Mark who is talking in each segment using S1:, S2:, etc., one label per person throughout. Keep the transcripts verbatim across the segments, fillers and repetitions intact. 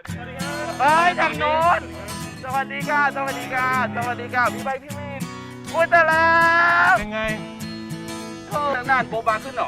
S1: เฮ้ยทางโน้นสวัสดีค่ะสวัสดีค่ะสวัสดีค่ะพี่ใบพี่วินพูดแต่แล้ว
S2: ยังไง
S1: เธอนานโบบาขึ้นหรอ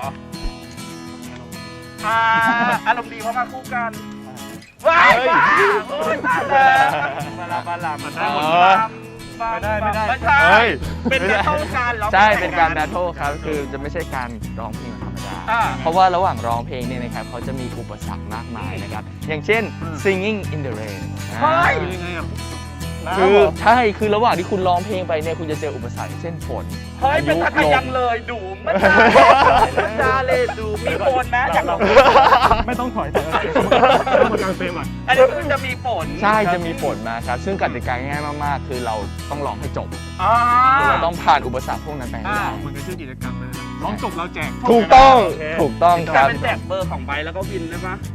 S1: อ่าอารมณ์ดีเพราะมาคู่กันว้ายว้าโอ้ยตายแล้วมาลามาลามาได้หมดไม่ได้ไม่ได้ไม่ใช่เป็นแบทเทิลการร้องใช่เป็นการแบทเทิลครับคือจะไม่ใช่การร้องเพลงธรรมดาเพราะว่าระหว่างร้องเพลงเนี่ยนะครับเขาจะมีอุปสรรคมากมายนะครับอย่างเช่น singing in the rain
S2: เฮ้ยยังไงอ่ะ
S1: คือใช่คือระหว่างที่คุณร้องเพลงไปเนี่ยคุณจะเจออุปสรรคเช่นฝนเฮ้ยเป็นทักยังเลยดูมันจ้าเลยดูมีฝนนะจากเรา
S2: ไม่ต้องถอยแต่ต้องมากางเฟรมอ่ะ
S1: อันนี้คือจะมีฝนใช่จะมีฝนมาครับซึ่งกติกาง่ายมากๆคือเราต้องร้องให้จบเราต้องผ่านอุปสรรคพวกนั้นไปให้ได้
S2: มันเป็นชื่อกิจกรรมเลยร้องจบเราแจก
S1: ถูกต้องถูกต้องครับเป็นแจกเบอร์ของใบแล้วก็วินได้ปะ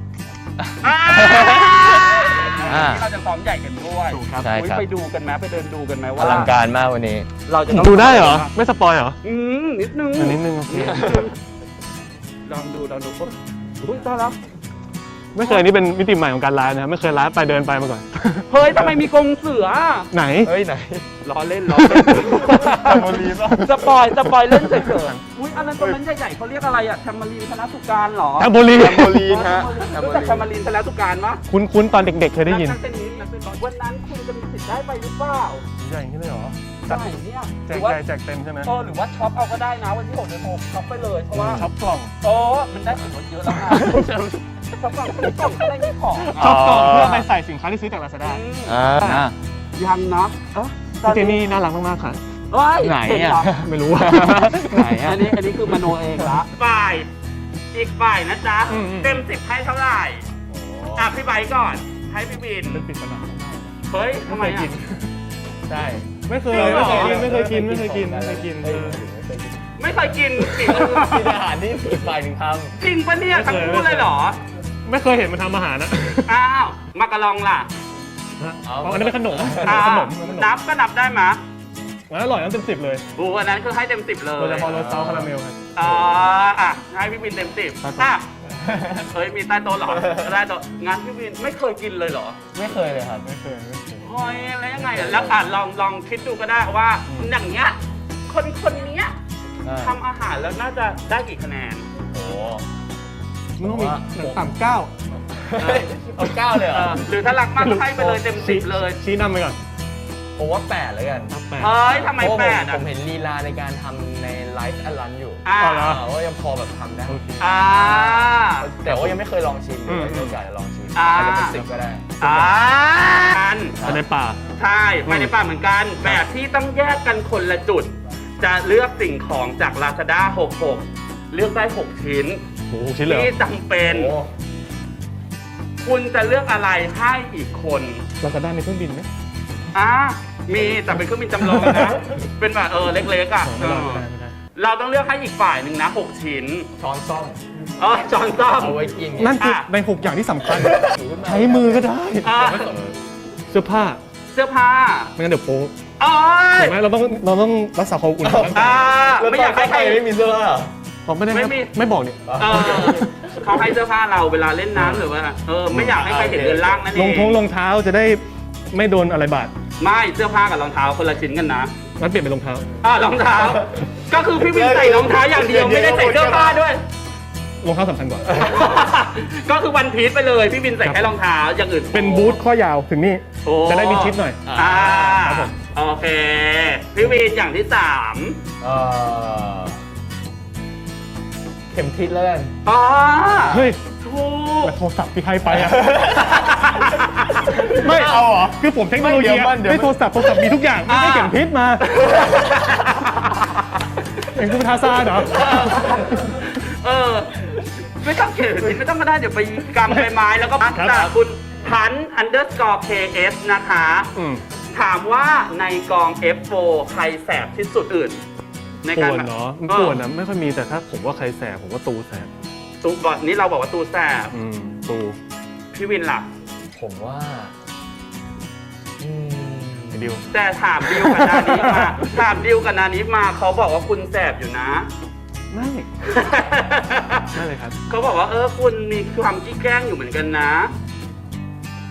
S1: เราจะซ้อมใหญ่กันด้วย
S3: ใช่ครับ
S1: ไปดูกันไหมไปเดินดูกันไหมว่า
S3: อลังการมากวันนี้
S1: เราจะ
S2: ดูได้เหรอไม่สปอยเหรอ
S1: อืมนิดนึง
S2: นิดนึงโอเค
S1: ลองดูลองดูอุ้ยต้อนรับ
S2: ไม่เคยนี่เป็นมิติใหม่ของการไลฟ์นะไม่เคยไลฟ์ไปเดินไปมาก่อน
S1: เฮ้ยทำไมมีกรงเสือ
S2: ไหน
S3: เฮ้ยไหน
S1: ล้อเล่นล้อเล่นสปอยสปอยเล่นเฉยๆอุ้ยอันนั้นตรงนั้นใหญ่ๆเขาเรียกอะไรอะแทมมารีนธนสุการหรอ
S2: แทมโบลีน
S3: แทมโบลีนฮะ
S1: รู้จักแทมมารีนธนสุการมั้ย
S2: คุ้นๆตอนเด็กๆเคยได้ยิน
S1: วันนั้นคุณจะมีสิทธิ์ได้ไปหรือเปล่า
S2: ใหญ่ขึ้นเลยเหรอ
S1: ใช่เนี่ย
S2: แจกใหญ่แจกเต็มใช่ไหม
S1: เออหรือว่าช็อปเอาก็ได้นะวันที่หกเดือนหกช็อปไปเลยเพราะว่า
S2: ช็อปกล่อง
S1: โอ้มันได้ส่วนลดเยอะแล้วนะช็อปกล่องกล่องได้มีของ
S2: ช็อปกล่องเพื่อไปใส่สินค้าที่ซื้อจาก Lazada
S3: อ่า
S1: ยังนะเออ
S2: เจนี่น่ารักมากๆค่ะ
S1: ไหนอ่ะ
S2: ไม่รู้
S1: ไหนอ่ะอันนี้อันนี้คือมโนเองละฝ่ายอีกฝ่ายนะจ๊ะเต็มสิบให้เท่าไหร่อ่ะพี่ใบก่อนให้พี่บิน
S2: เป็นปิดสนาม
S1: เฮ้ยทำไมอ่ะ
S3: ใช่
S2: ไม่เคยไม่เคยกินไม่เคยกินไม่เคยกินไม่เคยกิน
S1: ไม่เคยกิน
S3: กินอาหารที่อีกฝ่ายหนึ่งท
S1: ำจริงปะเนี่ยทั้งคู่เลยเหรอ
S2: ไม่เคยเห็นมันทำอาหารนะ
S1: อ้าวมากระลองล่ะ
S2: อันนี้เป็นขนมขนม
S1: นับก็นับได้ไหม
S2: อร่อยน้ำเต็มสิบเลย
S1: โอ้อันนั้นคือให้เต็มสิบเลย
S2: โดยเฉพาะรสซอสคาราเมลครับ
S1: อ๋ออ่ะให้พี่วินเต็มสิบอ่ะเฮ้ยมีใต้โต๊ะหรอใต้โต๊ะงานพี่วินไม่เคยกินเลยเหรอ
S3: ไม่เคยเลยครับ
S2: ไม่เคยไม่เคย
S1: เฮ้ยแล้วยังไงอ่ะแล้วอ่ะลองลองคิดดูก็ได้ว่าอย่างเงี้ยคนคนนี้ทำอาหารแล้วน่าจะได้กี่คะแนน
S3: โอ้
S2: มันต้องมีหนึ่งต่ำเก้า
S3: เอาเก้าเลยเหรอ
S1: หรือถ้ารักมากให้ไปเลยเต็มสิบเลย
S2: ชี้นำไปก่อน
S3: ผมว่าแปดเลยกัน
S1: เฮ้ยทำไมแปดอ่ะ
S3: ผมเห็นลีลาในการทำในไลฟ์แอดลันอยู่
S1: อ่า
S3: ว่ายังพอแบบทำได้
S1: อ่า
S3: แต่ว่ายังไม่เคยลองชิมเลยมีโอกาสจะลองชิมอาจจะเป็นสิบก็ได้
S1: อ่า
S2: ไปในป่า
S1: ใช่ไปในป่าเหมือนกันแบบที่ต้องแยกกันคนละจุดจะเลือกสิ่งของจาก Lazada หกสิบหกเลือกได้หกชิ้นที่จำเป็นคุณจะเลือกอะไรให้อีกคน
S2: Lazada มีเครื่องบินไหม
S1: อ่ามีแต่เป็นเครื่องบินจำลองนะเป็นแบบเออเล็กๆอ่ะเราต้องเลือกให้อีกฝ่ายหนึ่งนะหกชิ้น
S3: ช้อนซ่อม
S1: เออช้อนซ่อม
S3: เอาไว้กิน
S2: นั่นคือในหกอย่างที่สำคัญใช้มือก็ได้เสื้อผ้า
S1: เสื้อผ้า
S2: ไม่งั้นเดี๋ยวโป๊
S1: อ๋อ
S2: ใช่ไหมเราต้องเราต้องรักษาความอุ่น
S1: อ่าไม่อยากให้ใคร
S3: ไม่มีเสื้อผ้า
S2: เขาไม่ได้ไม่บอกเนี่ย
S1: เขาให้เสื้อผ้าเราเวลาเล่นน้ำหรือว่าเออไม่อยากให้ใครเห็นเรือนร่างนั่นเอง
S2: รองท้องรองเท้าจะได้ไม่โดนอะไรบาด
S1: ไม่เสื้อผ้ากับรองเท้าคนละชิ้นกันนะ
S2: งั้นเปลี่ยนเป็นรองเท้า
S1: อ่ารองเท้าก็คือพี่วินใส่รองเท้าอย่างเดียวไม่ได้ใส่เสื้อผ้าด้วย
S2: รองเท้าสำคัญกว่า
S1: ก็คือวันพีชไปเลยพี่วินใส่แค่รองเท้าอย่างอื่น
S2: เป็นบูทข้อยาวถึงนี่จะได้มีชิปหน่อย
S1: อ่าโอเคพี่วินอย่างที่สาม
S3: เข็มทิศแล้วกัน
S1: อ๋อ
S2: เฮ้ย
S1: ถูก
S2: โทรศัพท์ที่ให้ไปอะไม่เอาเหรอคือผมเทคโนโลยีไม่โทรศัพท์โทรศัพท์มีทุกอย่างไม่ได้เข็มทิศมาเอ็งคุณทาซาเหรอ
S1: เออไม่ต้องเข็มทิศไม่ต้องมาได้เดี๋ยวไปกำใบไม้แล้วก็แต่คุณพัน underscore เค เอส นะคะถามว่าในกอง เอฟ โฟร์ ใครแสบที่สุดอื่น
S2: ในการเนาะป่วนนะไม่ค่อยมีแต่ถ้าผมว่าใครแสบผมว่าตูแสบ
S1: ตูก่อนนี้เราบอกว่าตูแสบ
S2: อืมตู
S1: พี่วินล่ะ
S3: ผมว่า
S2: อืมดิว
S1: แต่ถามดิวกับนานิมาถามดิวกับนานิมาเขาบอกว่าคุณแสบอยู่นะ
S2: ไม่ไม่เลยครับ
S1: เขาบอกว่าเออคุณมีความขี้แกล้งอยู่เหมือนกันนะ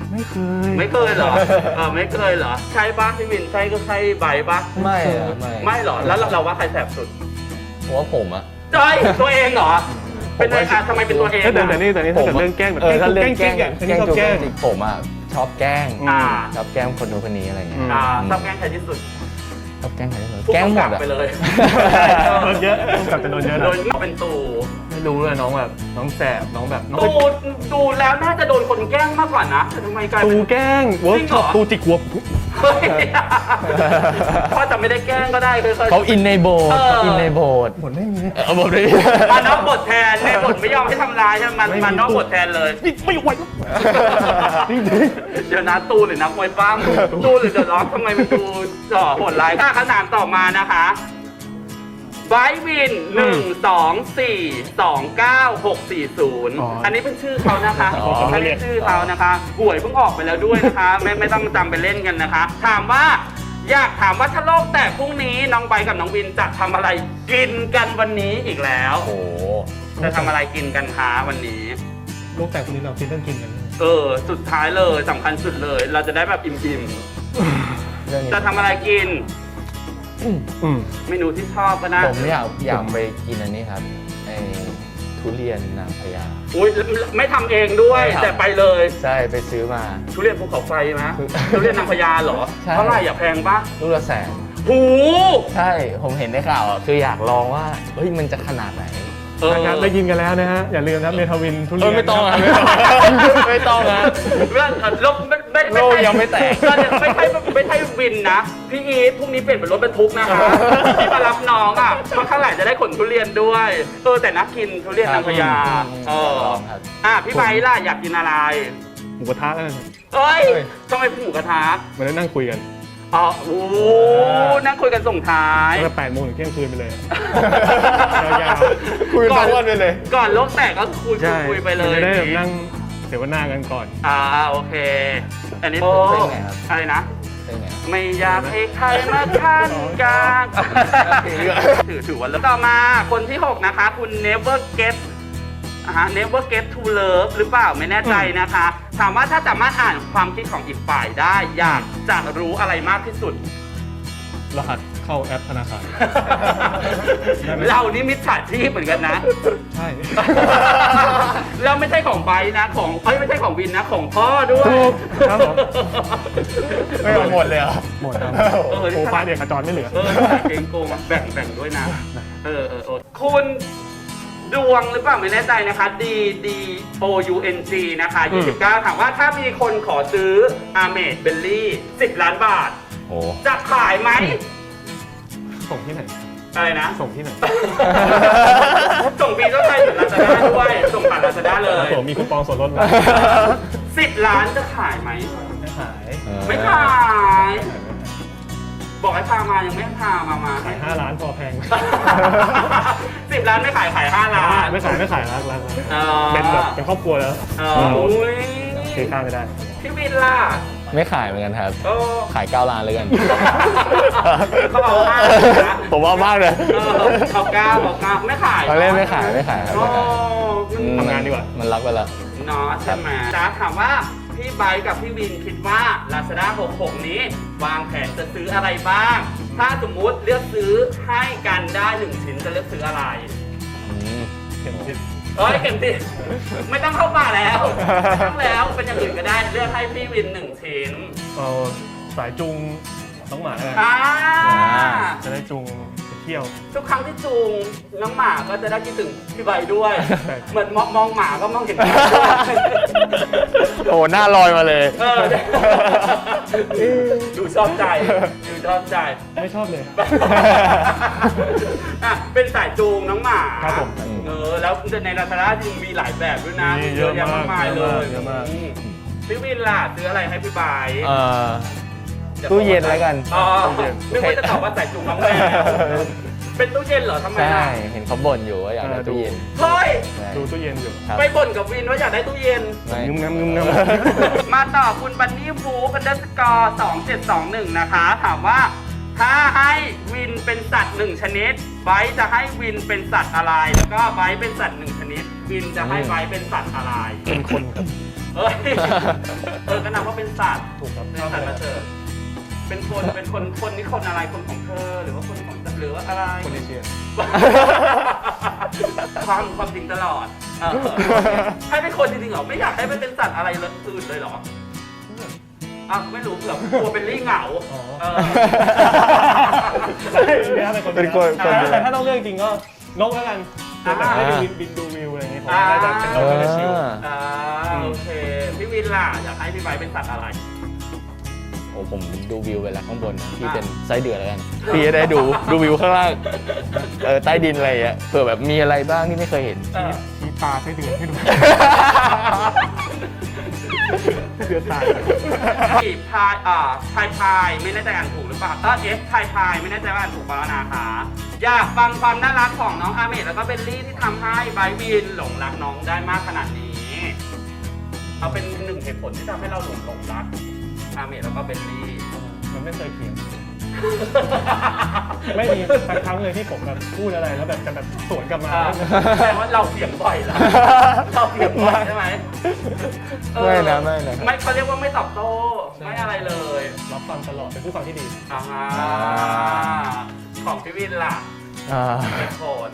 S2: ไม่เคย
S1: ไม่เคยเหรอเออไม่เคยเหรอใช่ปะพี่วินใช่ก็ใช่ใบปะ
S3: ไม่อะไม่
S1: ไม่เหรอแล้วเราเราว่าใครแสบสุด
S3: ผมว่าผมอะ
S1: จอยตัวเองเหรอเป็นอะไรอะทำไมเป็นตัวเอง
S2: แต่แต่
S1: อะ
S2: นี่แต่นี่ถ้าเกิดเรื่องแกล้งแบบ
S3: เออถ้าเรื่องแกล้ง
S2: จริงอ่ะ
S3: แกล้ง
S2: ชอบ
S3: จุก
S2: แกล้ง
S3: จริงผมอะชอบแกล้ง
S1: อ่า
S3: ชอบแกล้งคนนู้นคนนี้อะไรเงี้ย
S1: อ่าชอบแกล้งใครที่สุด
S3: ชอบแกล้งใครที่สุด
S1: ผู้
S3: แกล้งหม
S1: กำกั
S3: ด
S1: บ
S3: อะ
S1: ไปเลย
S2: โดนเยอะกลับจะโดนเยอะ
S1: โด
S2: นะ
S1: นเป็นตู
S2: ไม่รู้เลยน้องแบบน้องแสบน้องแบบน้อง
S1: ตูดูแล้วน่าจะโดนคนแกล้งมากกว่านะแต่ทำไมกลาย
S2: ตู
S1: เป็น
S2: แกล้งเวิร์กช็อป
S1: จริงเหรอ
S2: ตูจิกหัว
S1: เฮ้ยพ่อจะไม่ได้แกล้งก็ได้คือ
S3: เขาอินในโบสถ์เขาอินในโบสถ์
S2: หมดไม่มี
S3: เออบทนี้
S1: มานอกบทแทนในบทไม่ยอมให้ทำร้ายใช่ไหมมันมานอกบทแทนเลย
S2: ไม่ไหวจริง
S1: เดี๋ยวนะตูหรือนักมวยปั้มตูหรือเดอะล็อกทำไมมันดูจ่อโหดร้ายค่าขนานต่อมานะคะไบวินหนึ่งสองสี่สองเก้าหกสี่ศูนย์อันนี้เป็นชื่อเขานะคะอันนี้ชื่อเขานะคะหวยเพิ่งออกไปแล้วด้วยนะคะ ไม่ไม่ต้องจำไปเล่นกันนะคะ ถามว่าอยากถามว่าถ้าโลกแตกพรุ่งนี้น้องไบกับน้องวินจะทำอะไรกินกันวันนี้อีกแล้ว
S3: โอ้โห
S1: จะทำอะไรกินกันคะวันนี้
S2: ๆโลกแตกคนนี้เราคิดเรื่องกินกัน
S1: เออ สุดท้ายเลยสำคัญสุดเลย เราจะได้แบบอิ่ม
S3: เรื่องนี้
S1: ๆ จะทำอะไรกิน
S2: อืม
S1: เมนูที่ชอบก็ได้
S3: ผมอยากอยากไปกินอันนี้ครับไอ้ทุเรียนนางพญา
S1: อุ้ยไม่ทำเองด้วย
S3: ไม่ทำ
S1: แต่ไปเลย
S3: ใช่ไปซื้อมา
S1: ทุเรียนภูเขาไฟนะ
S3: คือ
S1: ทุเรียนนางพญาเหรอ
S3: ใช่
S1: เท่าไหร่อย่าแพงปะ
S3: ลูกละแสน
S1: หู
S3: ใช่ผมเห็นในข่าวอะคืออยากลองว่าเฮ้ยมันจะขนาดไหน
S1: เออ
S2: นะครับได้ยินกันแล้วนะฮะอย่าลืมนะครับเมทาวินทุเรี
S3: เอย
S2: น
S3: อไม่ต้องอะไม่ต้องอะ
S1: เรื่องเอ่อลบไม่ไม่ไม่
S3: โลก
S1: ใช่
S3: ยังไม่แตก
S1: ก็เนี่ยไม่ใช่ไม่ใช่วินนะ พี่อีทพรุ่งนี้เปลี่ยนเป็นรถบรรทุกนะคะที่มารับน้องอ่ะเพราะข้างหลังจะได้ขนทุเรียนด้วยเออแต่นักกินทุเรียนนางพญาเออ
S3: ลองครับ
S1: อ่ะพี่ไบร์ทล่ะอยากกินอะไร
S2: หมูกระทะนั่นนะ
S1: เอ้ย
S3: เฮ้ย
S1: ทำไมเป็นหมูกระทะ
S2: มันได้นั่งคุยกัน
S1: อ๋อโอ้โหนั่งคุยกันส่งท้าย
S2: ตั้งแต่แปดโมงถึงเที่ยงคืนไปเลย ยาว
S3: คุยทั้งวันไปเลย
S1: ก่อนโลกแตกก็คุย
S2: ๆใช่
S1: คุยไปเลย
S2: มันจะได้แบบนั่งเสวนากันก่อน
S1: อ่าโอเค อันนี้
S3: โอ้
S1: โอ้
S3: เป็นไงครับ
S1: อะไรนะ
S3: เป็นไง
S1: ไม่อยากให้ใครมาขั้นกลางถือถือว่าแล้วต่อมาคนที่ หก นะคะ คุณ never get อ่าฮะ never get to love หรือเปล่าไม่แน่ใจนะคะ ถามว่าถ้าสามารถอ่านความคิดของอีกฝ่ายได้ อยากจะรู้อะไรมากที่สุด
S2: รหัสเข้าแอปธนาคาร ได้ไหม
S1: เรานี่มิจฉาชีพเหมือนกันนะ
S2: ใช่
S1: เราไม่ใช่ของไบร์ทนะของเอ้ยไม่ใช่ของวินนะของพ่อด้วย
S2: ถูกครับผม
S3: ไม่เอาหมดเลยเหรอ
S2: หมดครับ
S1: เออ
S2: โอ้ฟ้าเด็กขจรไม่เหลือ
S1: เออเก่งโกงแบ่งแบ่งด้วยนะ เออเออเออคุณดวงหรือเปล่าไม่แน่ใจนะคะ D D O U N G นะคะ
S2: อืม
S1: ยี่สิบเก้าถามว่าถ้ามีคนขอซื้ออาเมดเบลลี่สิบล้านบาท
S3: โอ้
S1: จะขายไหม
S2: ส่งที่ไหน
S1: อะไรนะ
S2: ส่งที่ไหน
S1: ส่งฟรีต้องใช้ถึงลาซาด้าด้วย ส่งผ่านลาซาด้าเลย
S2: ผมมีคูปองส่วนลดนะ
S1: สิบล้านจะขายไหม
S2: ไม่ขาย
S1: ไม่ขาย บอกให้พามายังไม่พามามา
S2: ขายห้าล้านพอแพง
S1: สิบล้านไม่ขายขายห้าล้าน
S2: ไม่ขายไม่ขายรักรักรัก
S1: อ๋อ
S2: เป็นแบบเป็นครอบครัวแล้ว
S1: อ๋ออุ้ย
S2: คือข้ามไม่ได้
S1: พี่วินล่ะ
S3: ไม่ขายเหมือนกันครับ
S1: โอ้
S3: ขายเก้าล้านเลยกัน
S1: เขาเอาห้านะ
S3: ผมว่ามากเลย
S1: เออเอาเก้าเอาเก้าไม่ขาย
S3: เขาเล่นไม่ขายไม่ขายครับ
S1: โอ้
S3: ไม่ขาย
S2: ทำงานดีกว่า
S3: มันรักไปละ
S1: เนาะใช่ไหมจ้าถามว่าพี่ไบร์ทกับพี่วินคิดว่า Lazada หกสิบหก นี้ วางแผนจะซื้ออะไรบ้าง ถ้าสมมุติเลือกซื้อให้กันได้หนึ่งชิ้นจะเลือกซื้ออะไร
S3: อืม
S2: เข็มทิศ
S1: เอ้ยเข็มติดไม่ต้องเข้าป่าแล้วไม่ต้องแล้วเป็นอย่างอื่นก็ได้เลือกให้พี่วินหนึ่งชิ้น
S2: เอาสายจูงน้องหมาแล้วกัน
S1: อ่า
S2: จะได้จูงไปเที่ยว
S1: ทุกครั้งที่จูงน้องหมาก็จะได้คิดถึงพี่ใบด้วย
S2: ใช่
S1: เหมือนมองมองหมาก็มองเห็น
S3: โอ้หน้าลอยมาเลย
S1: เออดูชอบใจดูชอบใจ
S2: ไม่ชอบเลย
S1: อ่ะเป็นสายจูงน้องหมา
S2: ครับผม
S1: เออแล้วในลาซาด้าจริงมีหลายแบบด้วยนะ
S2: มีเยอะ
S1: แยะมากมายเลย
S2: เยอะมาก
S1: อืมพี่วินล่ะซื้ออะไรให้พี่ใบ
S3: เอ่อ ตู้เย็นแล้วกัน
S1: อ๋อนึกว่าจะตอบว่าสายจูงน้องแมวเป็นตู้เย็นเหรอทำไม
S3: ใช่
S1: ล่ะ
S3: เห็นเขาบ่นอยู่ว่าอยากได้
S2: เออ
S3: ตู้เย็น
S1: เฮ้ย
S3: ใช่
S2: ดูตู้เย็นอยู่
S3: ครับ
S1: ไปบ่นกับวินว่าอยากได้ตู้เย็น
S3: ไม่
S2: งึมงำงึมงำ
S1: มาต่อคุณบันนี่ฟูกันเดอร์สกอร์สองเจ็ดสองหนึ่งนะคะ ถามว่าถ้าให้วินเป็นสัตว์หนึ่งชนิดไบร์ทจะให้วินเป็นสัตว์อะไร แล้วก็ไบร์ทเป็นสัตว์หนึ่งชนิด วินจะให้ไบร์ทเป็นสัตว์อะไร
S2: เป็นคนครับ
S1: เอ้ยเออก็นับว่าเป็นสัตว์
S2: ถูกครับ
S1: เป็นสัตว์มาเถอะเป็นคนเป็นคนคนนี่คนอะไรคนของเธอหรือว่าคนของหรือว่าอะไร
S2: คนเอเชีย
S1: ความความจริงตลอดเออให้เป็นคนจริงๆเหรอไม่อยากให้มันเป็นสัตว์อะไรเลยอื่นเลยเหรออ่ะไม่รู้เผื่อกลัวเป็นลี่เหงาเออ
S2: เป็นคนคนเดียว
S4: แต่ถ้าต้องเลือกจริงก็นกแล้วกันแต่ไม่ได้บินบินดูวิวอะไรอย่างเงี้ยผมน่าจะเป็นนกน่าจะชิล
S1: อ่าโอเคพี่วินล่ะอยากให้พี่ไบร์ทเป็นสัตว์อะไร
S3: โอ้ผมดูวิวไปแล้วข้างบนนะพี่เป็นไส้เดือนแล้วกันพี่จะได้ดูดูวิวข้างล่างเออใต้ดินอะไรอ่ะเผื่อแบบมีอะไรบ้างที่ไม่เคยเห็น
S2: ชี้ตาใช้เดือนให้ดูเดือนตาย
S1: พี่พายอ่าพายพายไม่แน่ใจอ่านถูกหรือเปล่าเออเอฟพายพายไม่แน่ใจว่าอ่านถูกเปล่านะคะอยากฟังความน่ารักของน้องอาเมดแล้วก็เบลลี่ที่ทำให้ไบร์ทวินหลงรักน้องได้มากขนาดนี้ เอาเป็นหนึ่งเหตุผลที่ทำให้เราหลงหลงรักอาเมดแล้วก็เบลลี่
S4: มันไม่เคยเถียงไม่มีสักครั้งเลยที่ผมแบบพูดอะไรแล้วแบบจะแบบสวนกลับมา
S1: อ่าแปลว่าเราเสียงบ่อยละเราเสียงบ่อยใช่ไหมเออ
S2: ไม่นะไม่นะ
S1: ไม่เขาเรียกว่าไม่ตอบโต้ไม่อะไรเลย
S4: รับฟังตลอดเป็นผู้ฟังที่ดี
S1: อ่าฮะของพี่วินล่ะ
S3: อ่า
S1: เหตุผล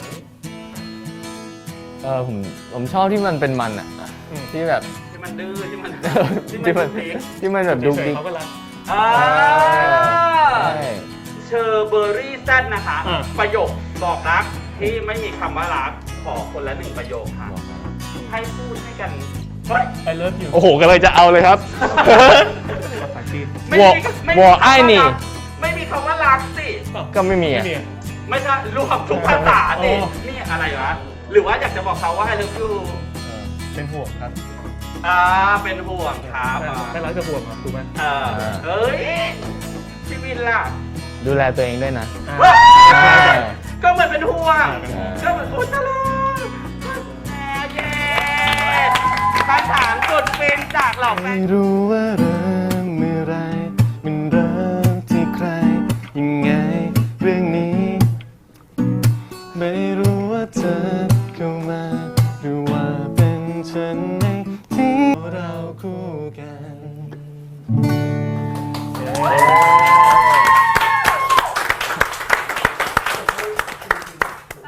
S3: เออผมผมชอบที่มันเป็นมันอ่ะ
S4: อืม
S3: ที่แบบ
S1: ที่มันดื้อที่มัน
S3: ที่
S1: ที่
S3: มั
S1: มัน นพลิก
S3: ที่มันแบบดู
S4: เฉย
S3: ดิ
S4: ๆเขาก็รัก
S1: อ่า
S3: ใช่
S1: เชอร์เบอรี่แซดนะคะ
S4: อ่า
S1: ประโยคบอกรักที่ไม่มีคำว่ารักขอคนละหนึ่งประโยคค่ะ ให้พูดให้กันเฮ้ย
S4: I love you
S3: โอ้โหก็เลยจะเอาเลยครับ
S2: ภาษาจีน
S1: ไม่
S3: วอ
S1: มีไม่
S3: ว
S1: มี
S3: อ
S1: คำ
S3: ไอ้
S1: ว่า
S3: นี่
S1: รักไม่มีคำว่ารักสิ
S3: ก็ไม่มี
S4: ไม่
S3: อ่ะ
S4: มี
S1: ไม่ใช่รวมทุกภาษาสิ
S4: อ๋อ
S1: นี่อะไรวะหรือว่าอยากจะบอกเขาว่า I love you
S4: เออเป็นห่วงครับ
S1: อ่าเป็นห่วงครับอ่า
S4: ไม่รักจะห่วงครับถูกไหม
S1: เออเฮ้ยพี่วินล่ะ
S3: ดูแลตัวเองด้วยนะ
S4: อ่า
S1: ว้าย
S3: ใช่
S1: ก็เหมือนเป็นห่วง
S4: เป็นห่วง
S1: ก็เหมือนโอ้ตะลาเย้คำถามสุดฟินจากเหล่าแฟน
S2: ไม่รู้ว่า